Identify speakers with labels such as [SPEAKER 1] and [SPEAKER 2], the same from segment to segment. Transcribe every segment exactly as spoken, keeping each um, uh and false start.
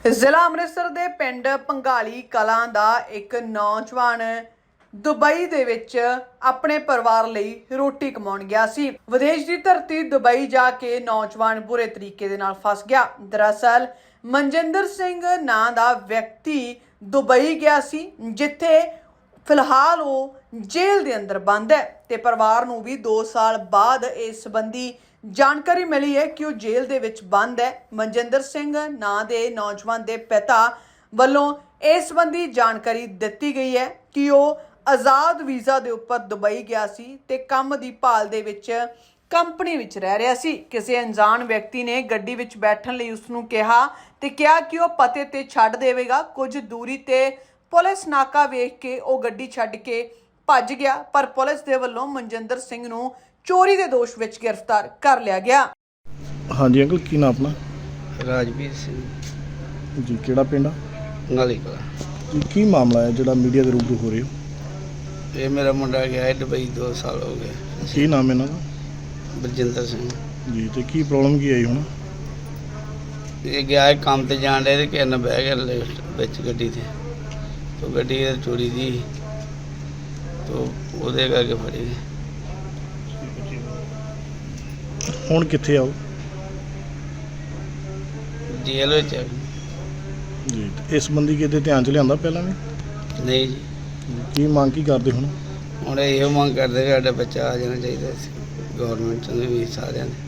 [SPEAKER 1] ਜ਼ਿਲ੍ਹਾ ਅੰਮ੍ਰਿਤਸਰ ਦੇ ਪਿੰਡ ਪੰਗਾਲੀ ਕਲਾਂ ਦਾ ਇੱਕ ਨੌਜਵਾਨ ਦੁਬਈ ਦੇ ਵਿੱਚ ਆਪਣੇ ਪਰਿਵਾਰ ਲਈ ਰੋਟੀ ਕਮਾਉਣ ਗਿਆ ਸੀ। ਵਿਦੇਸ਼ ਦੀ ਧਰਤੀ ਦੁਬਈ ਜਾ ਕੇ ਨੌਜਵਾਨ ਬੁਰੇ ਤਰੀਕੇ ਦੇ ਨਾਲ ਫਸ ਗਿਆ। ਦਰਅਸਲ ਮਨਜਿੰਦਰ ਸਿੰਘ ਨਾਂ ਦਾ ਵਿਅਕਤੀ ਦੁਬਈ ਗਿਆ ਸੀ, ਜਿੱਥੇ ਫਿਲਹਾਲ ਉਹ ਜੇਲ੍ਹ ਦੇ ਅੰਦਰ ਬੰਦ ਹੈ ਤੇ ਪਰਿਵਾਰ ਨੂੰ ਵੀ ਦੋ ਸਾਲ ਬਾਅਦ ਇਸ ਸੰਬੰਧੀ ਜਾਣਕਾਰੀ ਮਿਲੀ है कि वो जेल दे विच बंद है। मनजिंदर सिंह नां दे नौजवान दे पिता वालों इस संबंधी जानकारी दित्ती गई है कि वो आज़ाद वीज़ा दे उपर दुबई गया सी ते काम दी भाल दे विच कंपनी विच रह रहा सी। किसी अनजान व्यक्ति ने गड्डी विच बैठण लई उसनूं कहा ते कहा कि वो पते ते छड्ड देवेगा। कुछ दूरी ते पुलिस नाका वेख के वो गड्डी छड्ड के भज गया, पर पुलिस दे वल्लों मनजिंदर सिंह नूं चोरी के दोष विच गिरफ्तार कर लिया गया।
[SPEAKER 2] हाँ जी अंकल, की नाम अपना?
[SPEAKER 3] राजवीर सिंह
[SPEAKER 2] जी, केड़ा पिंड?
[SPEAKER 3] पंगाली कला
[SPEAKER 2] जी, की मामला है जो मीडिया के रूबरू हो रहे हो?
[SPEAKER 3] ये मेरा मुंडा गया है दुबई, दो साल हो गए।
[SPEAKER 2] की नाम है इन्हां दा?
[SPEAKER 3] बलजिंदर सिंह
[SPEAKER 2] जी, तो की प्रॉब्लम की आई हुण?
[SPEAKER 3] ये गया है काम ते जान रहे थे कि न बह गया लिफ्ट विच गड्डी ते, तो गड्डी चोरी दी तो ਉਹਦੇ करके फड़ी गए।
[SPEAKER 2] ਹੁਣ ਕਿੱਥੇ ਆਓ?
[SPEAKER 3] जेल विच है।
[SPEAKER 2] ਜੀ, ਇਸ ਸੰਬੰਧੀ ਕਿਤੇ ਧਿਆਨ ਚ ਲਿਆਂਦਾ ਪਹਿਲਾਂ ਵੀ?
[SPEAKER 3] नहीं जी,
[SPEAKER 2] ਕੀ ਮੰਗ ਕੀ ਕਰਦੇ ਹੁਣ?
[SPEAKER 3] ਹੁਣ ਇਹੋ ਮੰਗ ਕਰਦੇ ਕਿ ਸਾਡਾ ਬੱਚਾ ਆ ਜਾਣਾ ਚਾਹੀਦਾ ਸੀ ਗਵਰਨਮੈਂਟ ਨੇ ਵੀ ਸਾਰਿਆਂ ਨੇ।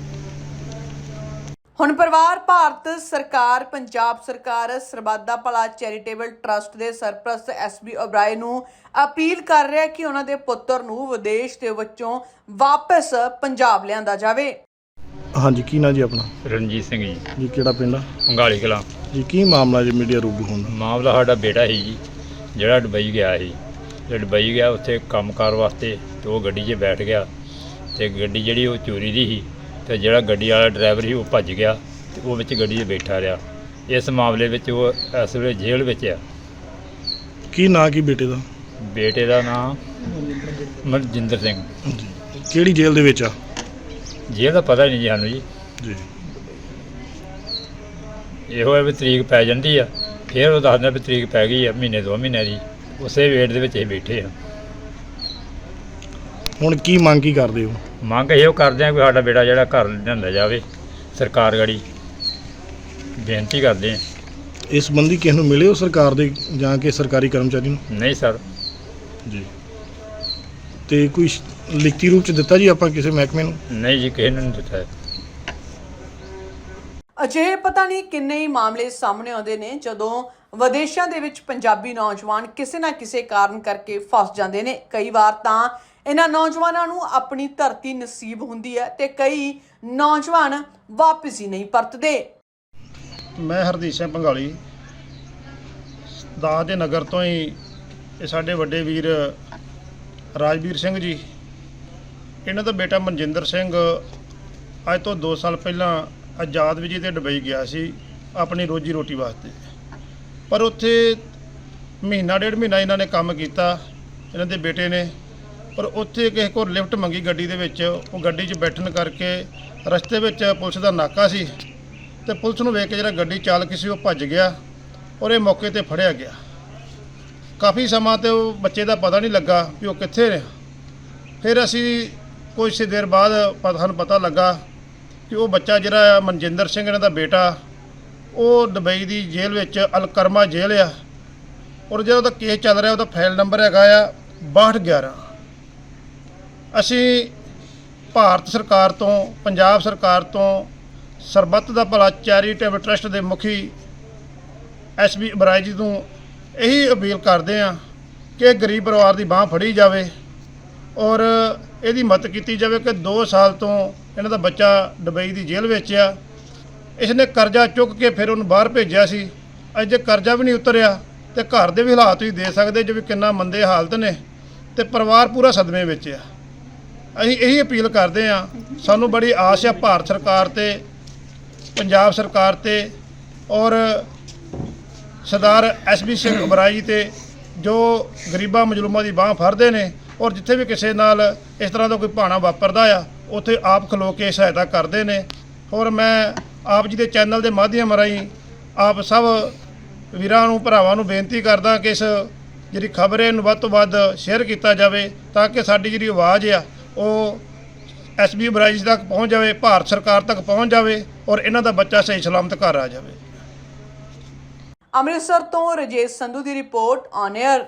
[SPEAKER 1] ਹੁਣ ਪਰਿਵਾਰ ਭਾਰਤ ਸਰਕਾਰ, ਪੰਜਾਬ ਸਰਕਾਰ, ਸਰਬੱਤ ਦਾ ਭਲਾ ਚੈਰੀਟੇਬਲ ਟਰਸਟ ਦੇ ਸਰਪ੍ਰਸਤ ਐਸ ਬੀ ਓਬਰਾਏ ਨੂੰ ਅਪੀਲ ਕਰ ਰਿਹਾ ਕਿ ਉਹਨਾਂ ਦੇ ਪੁੱਤਰ ਨੂੰ ਵਿਦੇਸ਼ ਦੇ ਵਿੱਚੋਂ ਵਾਪਸ ਪੰਜਾਬ ਲਿਆਂਦਾ ਜਾਵੇ।
[SPEAKER 2] ਹਾਂਜੀ, ਕੀ ਨਾਂ ਜੀ ਆਪਣਾ?
[SPEAKER 4] ਰਣਜੀਤ ਸਿੰਘ ਜੀ,
[SPEAKER 2] ਜੀ, ਕਿਹੜਾ ਪਿੰਡ ਆ?
[SPEAKER 4] ਪੰਗਾਲੀ ਕਲਾਂ।
[SPEAKER 2] ਜੀ, ਕੀ ਮਾਮਲਾ ਜੀ ਮੀਡੀਆ ਰੂਬਰੂ ਹੋਣ ਦਾ?
[SPEAKER 4] ਮਾਮਲਾ ਸਾਡਾ ਬੇਟਾ ਸੀ ਜੀ, ਜਿਹੜਾ ਦੁਬਈ ਗਿਆ ਸੀ। ਜਿਹੜਾ ਦੁਬਈ ਗਿਆ ਉੱਥੇ ਕੰਮਕਾਰ ਵਾਸਤੇ, ਤੇ ਉਹ ਗੱਡੀ 'ਚ ਬੈਠ ਗਿਆ ਤੇ ਗੱਡੀ ਜਿਹੜੀ ਉਹ ਚੋਰੀ ਦੀ ਸੀ ਤੇ ਜਿਹੜਾ ਗੱਡੀ ਵਾਲਾ ਡਰਾਈਵਰ ਸੀ ਉਹ ਭੱਜ ਗਿਆ ਤੇ ਉਹ ਵਿੱਚ ਗੱਡੀ 'ਚ ਬੈਠਾ ਰਿਹਾ। ਇਸ ਮਾਮਲੇ ਵਿੱਚ ਉਹ ਇਸ ਵੇਲੇ ਜੇਲ੍ਹ ਵਿੱਚ ਆ।
[SPEAKER 2] ਕੀ ਨਾਂ ਕੀ ਬੇਟੇ ਦਾ?
[SPEAKER 4] ਬੇਟੇ ਦਾ ਨਾਮ ਮਨਜਿੰਦਰ ਸਿੰਘ।
[SPEAKER 2] ਜੀ, ਕਿਹੜੀ ਜੇਲ੍ਹ ਦੇ ਵਿੱਚ ਆ?
[SPEAKER 4] ਜੇਲ੍ਹ ਦਾ ਪਤਾ ਨਹੀਂ ਜੀ ਸਾਨੂੰ ਜੀ।
[SPEAKER 2] ਜੀ,
[SPEAKER 4] ਇਹੋ ਹੈ ਵੀ ਤਰੀਕ ਪੈ ਜਾਂਦੀ ਆ, ਫਿਰ ਉਹ ਦੱਸਦਾ ਵੀ ਤਰੀਕ ਪੈ ਗਈ ਆ ਮਹੀਨੇ ਦੋ ਮਹੀਨੇ ਦੀ, ਉਸੇ ਵੇਟ ਦੇ ਵਿੱਚ ਅਸੀਂ ਬੈਠੇ ਆ।
[SPEAKER 2] ਹੁਣ ਕੀ ਮੰਗ ਕੀ ਕਰਦੇ ਹੋ?
[SPEAKER 4] ਮੰਗ ਇਹੋ ਕਰਦੇ ਆ ਕਿ ਸਾਡਾ ਬੇਟਾ ਜਿਹੜਾ ਘਰ ਲਿਆਂਦਾ ਜਾਵੇ, ਸਰਕਾਰ ਗਾੜੀ ਬੇਨਤੀ ਕਰਦੇ ਆ।
[SPEAKER 2] ਇਸ ਸੰਬੰਧੀ ਕਿਸ ਨੂੰ ਮਿਲੇ ਹੋ ਸਰਕਾਰ ਦੇ ਜਾਂ ਕਿ ਸਰਕਾਰੀ ਕਰਮਚਾਰੀ ਨੂੰ?
[SPEAKER 4] ਨਹੀਂ ਸਰ।
[SPEAKER 2] ਜੀ, ਤੇ ਕੋਈ ਲਿਖਤੀ ਰੂਪ ਚ ਦਿੱਤਾ ਜੀ ਆਪਾਂ ਕਿਸੇ ਮਹਿਕਮੇ ਨੂੰ?
[SPEAKER 4] ਨਹੀਂ ਜੀ, ਕਿਸੇ ਨੂੰ ਨਹੀਂ ਦਿੱਤਾ।
[SPEAKER 1] ਅਜਿਹੇ ਪਤਾ ਨਹੀਂ ਕਿੰਨੇ ਹੀ ਮਾਮਲੇ ਸਾਹਮਣੇ ਆਉਂਦੇ ਨੇ ਜਦੋਂ ਵਿਦੇਸ਼ਾਂ ਦੇ ਵਿੱਚ ਪੰਜਾਬੀ ਨੌਜਵਾਨ ਕਿਸੇ ਨਾ ਕਿਸੇ ਕਾਰਨ ਕਰਕੇ ਫਸ ਜਾਂਦੇ ਨੇ। ਕਈ ਵਾਰ ਤਾਂ ਇਹਨਾਂ ਨੌਜਵਾਨਾਂ ਨੂੰ ਆਪਣੀ ਧਰਤੀ ਨਸੀਬ ਹੁੰਦੀ ਹੈ ਤੇ ਕਈ ਨੌਜਵਾਨ ਵਾਪਸ ਹੀ ਨਹੀਂ ਪਰਤਦੇ।
[SPEAKER 5] ਮੈਂ ਹਰਦੀਪ ਸਿੰਘ ਪੰਗਾਲੀ ਦਾਸ ਦੇ ਨਗਰ ਤੋਂ ਹੀ। ਇਹ ਸਾਡੇ ਵੱਡੇ ਵੀਰ ਰਾਜਵੀਰ ਸਿੰਘ ਜੀ, ਇਹਨਾਂ ਦਾ ਬੇਟਾ ਮਨਜਿੰਦਰ ਸਿੰਘ ਅੱਜ ਤੋਂ ਦੋ ਸਾਲ ਪਹਿਲਾਂ ਆਜ਼ਾਦ ਵੀਜ਼ੇ ਤੇ ਦੁਬਈ ਗਿਆ ਸੀ ਆਪਣੀ ਰੋਜੀ ਰੋਟੀ ਵਾਸਤੇ। ਪਰ ਉੱਥੇ ਮਹੀਨਾ ਡੇਢ ਮਹੀਨਾ ਇਹਨਾਂ ਨੇ ਕੰਮ ਕੀਤਾ, ਇਹਨਾਂ ਦੇ ਬੇਟੇ ਨੇ। ਪਰ ਉੱਥੇ ਕਿਸੇ ਕੋਲ ਲਿਫਟ ਮੰਗੀ ਗੱਡੀ ਦੇ ਵਿੱਚ, ਉਹ ਗੱਡੀ 'ਚ ਬੈਠਣ ਕਰਕੇ ਰਸਤੇ ਵਿੱਚ ਪੁਲਿਸ ਦਾ ਨਾਕਾ ਸੀ ਤੇ ਪੁਲਿਸ ਨੂੰ ਵੇਖ ਕੇ ਜਿਹੜਾ ਗੱਡੀ ਚਾਲਕ ਸੀ ਉਹ ਭੱਜ ਗਿਆ ਔਰ ਇਹ ਮੌਕੇ ਤੇ ਫੜਿਆ ਗਿਆ। ਕਾਫੀ ਸਮਾਂ ਤੇ ਉਹ ਬੱਚੇ ਦਾ ਪਤਾ ਨਹੀਂ ਲੱਗਾ ਵੀ ਉਹ ਕਿੱਥੇ ਨੇ। ਫਿਰ ਅਸੀਂ ਕੁਝ ਦੇਰ ਬਾਅਦ ਪਤਾ ਸਾਨੂੰ ਪਤਾ ਲੱਗਾ ਕਿ ਉਹ ਬੱਚਾ ਜਿਹੜਾ ਮਨਜਿੰਦਰ ਸਿੰਘ ਇਹਨਾਂ ਦਾ ਬੇਟਾ, ਉਹ ਦੁਬਈ ਦੀ ਜੇਲ੍ਹ ਵਿੱਚ ਅਲਕਰਮਾ ਜੇਲ੍ਹ ਆ ਔਰ ਜਿਹੜਾ ਉਹਦਾ ਕੇਸ ਚੱਲ ਰਿਹਾ ਉਹਦਾ ਫਾਈਲ ਨੰਬਰ ਹੈਗਾ ਆ ਬਾਹਠ ਗਿਆਰਾਂ। ਅਸੀਂ ਭਾਰਤ ਸਰਕਾਰ ਤੋਂ, ਪੰਜਾਬ ਸਰਕਾਰ ਤੋਂ, ਸਰਬੱਤ ਦਾ ਭਲਾ ਚੈਰੀਟੇਬਲ ਟਰਸਟ ਦੇ ਮੁਖੀ ਐਸ ਬੀ ਓਬਰਾਏ ਜੀ ਨੂੰ ਇਹੀ ਅਪੀਲ ਕਰਦੇ ਹਾਂ ਕਿ ਗਰੀਬ ਪਰਿਵਾਰ ਦੀ ਬਾਂਹ ਫੜੀ ਜਾਵੇ ਔਰ ਇਹਦੀ ਮਦਦ ਕੀਤੀ ਜਾਵੇ ਕਿ ਦੋ ਸਾਲ ਤੋਂ ਇਹਨਾਂ ਦਾ ਬੱਚਾ ਦੁਬਈ ਦੀ ਜੇਲ੍ਹ ਵਿੱਚ ਆ। ਇਸਨੇ ਕਰਜ਼ਾ ਚੁੱਕ ਕੇ ਫਿਰ ਉਹਨੂੰ ਬਾਹਰ ਭੇਜਿਆ ਸੀ। ਅੱਜ ਜੇ ਕਰਜ਼ਾ ਵੀ ਨਹੀਂ ਉਤਰਿਆ ਤੇ ਘਰ ਦੇ ਵੀ ਹਾਲਾਤ ਤੁਸੀਂ ਦੇ ਸਕਦੇ ਜੋ ਵੀ ਕਿੰਨਾ ਮੰਦੇ ਹਾਲਤ ਨੇ ਤੇ ਪਰਿਵਾਰ ਪੂਰਾ ਸਦਮੇ ਵਿੱਚ ਆ। ਅਸੀਂ ਇਹੀ ਅਪੀਲ ਕਰਦੇ ਹਾਂ, ਸਾਨੂੰ ਬੜੀ ਆਸ ਆ ਭਾਰਤ ਸਰਕਾਰ ਤੇ, ਪੰਜਾਬ ਸਰਕਾਰ ਤੇ ਔਰ ਸਰਦਾਰ ਐਸ ਬੀ ਸਿੰਘ ਓਬਰਾਏ ਜੀ ਤੇ, ਜੋ ਗਰੀਬਾਂ ਮਜ਼ਲੂਮਾਂ ਦੀ ਬਾਂਹ ਫੜਦੇ ਨੇ ਔਰ ਜਿੱਥੇ ਵੀ ਕਿਸੇ ਨਾਲ ਇਸ ਤਰ੍ਹਾਂ ਦਾ ਕੋਈ ਭਾਣਾ ਵਾਪਰਦਾ ਆ ਉੱਥੇ ਆਪ ਖਲੋ ਕੇ ਸਹਾਇਤਾ ਕਰਦੇ ਨੇ। ਔਰ ਮੈਂ ਆਪ ਜੀ ਦੇ ਚੈਨਲ ਦੇ ਮਾਧਿਅਮ ਰਾਹੀਂ ਆਪ ਸਭ ਵੀਰਾਂ ਨੂੰ ਭਰਾਵਾਂ ਨੂੰ ਬੇਨਤੀ ਕਰਦਾ ਕਿ ਇਸ ਜਿਹੜੀ ਖਬਰ ਹੈ ਨੂੰ ਵੱਧ ਤੋਂ ਵੱਧ ਸ਼ੇਅਰ ਕੀਤਾ ਜਾਵੇ ਤਾਂ ਕਿ ਸਾਡੀ ਜਿਹੜੀ ਆਵਾਜ਼ ਆ ਉਹ ਐਸ ਬੀ ਬਰਾਈਜ ਤੱਕ ਪਹੁੰਚ ਜਾਵੇ, ਭਾਰਤ ਸਰਕਾਰ ਤੱਕ ਪਹੁੰਚ ਜਾਵੇ ਔਰ ਇਹਨਾਂ ਦਾ ਬੱਚਾ ਸਹੀ ਸਲਾਮਤ ਘਰ ਆ ਜਾਵੇ।
[SPEAKER 1] ਅੰਮ੍ਰਿਤਸਰ ਤੋਂ ਰਜੇਸ਼ ਸੰਧੂ ਦੀ ਰਿਪੋਰਟ ਔਨ 에ਅਰ।